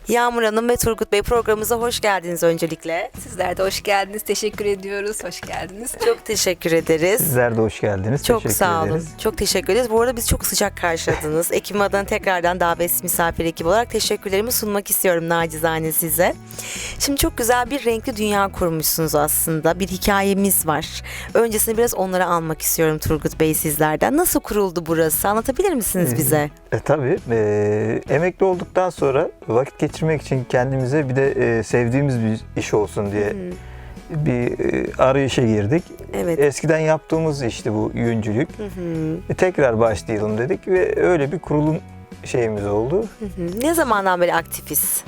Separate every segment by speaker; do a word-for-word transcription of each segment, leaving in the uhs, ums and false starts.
Speaker 1: Yağmur Hanım ve Turgut Bey programımıza hoş geldiniz öncelikle.
Speaker 2: Sizler de hoş geldiniz. Teşekkür ediyoruz. Hoş geldiniz.
Speaker 1: Çok teşekkür ederiz.
Speaker 3: Sizler de hoş geldiniz.
Speaker 1: Çok
Speaker 3: Teşekkür
Speaker 1: sağ olun.
Speaker 3: ederiz.
Speaker 1: Çok teşekkür ederiz. Bu arada biz çok sıcak karşıladınız. Ekibim adına tekrardan davetsiz misafir ekip olarak teşekkürlerimi sunmak istiyorum nacizane size. Şimdi çok güzel bir renkli dünya kurmuşsunuz aslında. Bir hikayemiz var. Öncesinde biraz onları almak istiyorum Turgut Bey sizlerden. Nasıl kuruldu burası? Anlatabilir misiniz
Speaker 3: Ee,
Speaker 1: bize?
Speaker 3: E, tabii. E, emekli olduktan sonra vakit geçirmek için kendimize bir de e, sevdiğimiz bir iş olsun diye
Speaker 1: Hı.
Speaker 3: bir e, arayışa girdik.
Speaker 1: Evet.
Speaker 3: Eskiden yaptığımız işte bu yüncülük.
Speaker 1: Hı hı.
Speaker 3: E, tekrar başlayalım dedik ve öyle bir kurulum şeyimiz oldu.
Speaker 1: Hı hı. Ne zamandan beri aktifiz?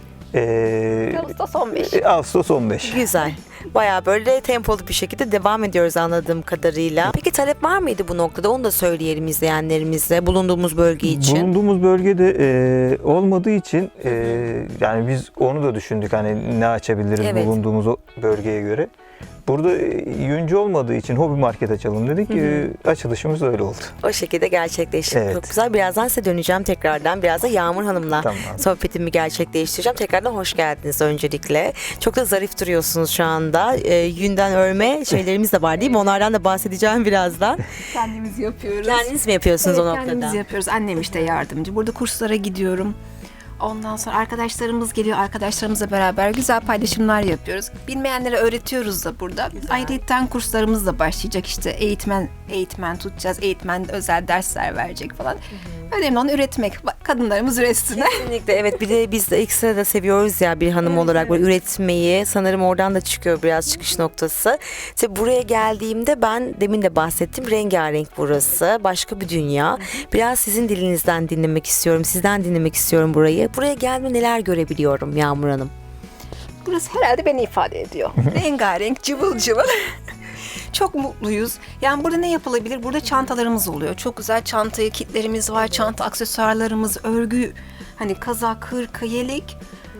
Speaker 3: E,
Speaker 2: Ağustos on beş.
Speaker 3: e, Ağustos on beş.
Speaker 1: Güzel. Bayağı böyle tempolu bir şekilde devam ediyoruz anladığım kadarıyla. Peki talep var mıydı bu noktada? Onu da söyleyelim izleyenlerimize bulunduğumuz bölge için.
Speaker 3: Bulunduğumuz bölgede e, olmadığı için e, yani biz onu da düşündük hani ne açabiliriz
Speaker 1: Evet.
Speaker 3: bulunduğumuz o bölgeye göre. Burada e, yüncü olmadığı için hobi market açalım dedik.
Speaker 1: Hı hı.
Speaker 3: E, açılışımız öyle oldu.
Speaker 1: O şekilde gerçekleşti.
Speaker 3: Evet.
Speaker 1: Çok güzel. Birazdan size döneceğim tekrardan. Biraz da Yağmur Hanım'la
Speaker 3: Tamam.
Speaker 1: sohbetimi gerçekleştireceğim. Tekrardan hoş geldiniz öncelikle. Çok da zarif duruyorsunuz şu anda. Ee, yünden örme şeylerimiz de var değil mi? Onlardan da bahsedeceğim birazdan.
Speaker 2: Kendimiz yapıyoruz.
Speaker 1: Kendiniz mi yapıyorsunuz
Speaker 2: Evet,
Speaker 1: o noktada?
Speaker 2: kendimiz yapıyoruz. Annem işte yardımcı. Burada kurslara gidiyorum. Ondan sonra arkadaşlarımız geliyor. Arkadaşlarımızla beraber güzel paylaşımlar yapıyoruz. Bilmeyenlere öğretiyoruz da burada. Ayrıca kurslarımız da başlayacak. İşte eğitmen eğitmen tutacağız. Eğitmen özel dersler verecek falan. Önemli olan üretmek. Bak, kadınlarımız üretsin.
Speaker 1: Kesinlikle evet, bir de biz de ekstra da seviyoruz ya bir hanım
Speaker 2: Evet,
Speaker 1: olarak böyle
Speaker 2: evet.
Speaker 1: üretmeyi. Sanırım oradan da çıkıyor biraz çıkış noktası. İşte buraya geldiğimde ben demin de bahsettim, rengarenk burası. Başka bir dünya. Biraz sizin dilinizden dinlemek istiyorum. Sizden dinlemek istiyorum burayı. Buraya geldiğimde neler görebiliyorum Yağmur Hanım?
Speaker 2: Burası herhalde beni ifade ediyor. Rengarenk, cıvıl cıvıl. Çok mutluyuz. Yani burada ne yapılabilir? Burada çantalarımız oluyor. Çok güzel çanta kitlerimiz var. Çanta aksesuarlarımız, örgü, hani kazak, hırka, yelek.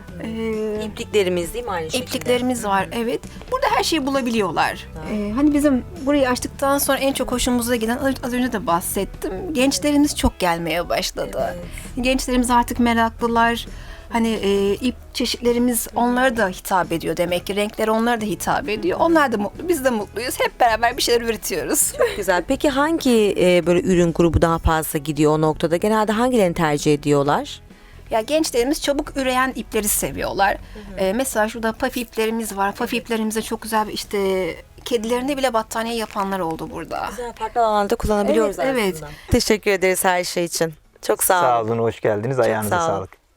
Speaker 2: Ee,
Speaker 1: İpliklerimiz değil mi aynı şekilde?
Speaker 2: İpliklerimiz var, evet. Burada her şeyi bulabiliyorlar. Ee, hani bizim burayı açtıktan sonra en çok hoşumuza giden, az az önce de bahsettim, gençlerimiz çok gelmeye başladı. Gençlerimiz artık meraklılar. Hani e, ip çeşitlerimiz onlara da hitap ediyor demek ki. Renkleri onlara da hitap ediyor. Onlar da mutlu, biz de mutluyuz. Hep beraber bir şeyler üretiyoruz.
Speaker 1: Güzel. Peki hangi e, böyle ürün grubu daha fazla gidiyor o noktada? Genelde hangilerini tercih ediyorlar?
Speaker 2: Ya gençlerimiz çabuk üreyen ipleri seviyorlar. Ee, mesela şurada paf iplerimiz var. Paf iplerimize çok güzel bir işte kedilerine bile battaniye yapanlar oldu burada.
Speaker 1: Güzel, farklı alanda kullanabiliyoruz
Speaker 2: Evet,
Speaker 1: aslında.
Speaker 2: evet.
Speaker 1: Teşekkür ederiz her şey için. Çok sağ olun.
Speaker 3: Sağ olun, hoş geldiniz. Ayağınıza
Speaker 1: sağ olun.
Speaker 3: sağlık.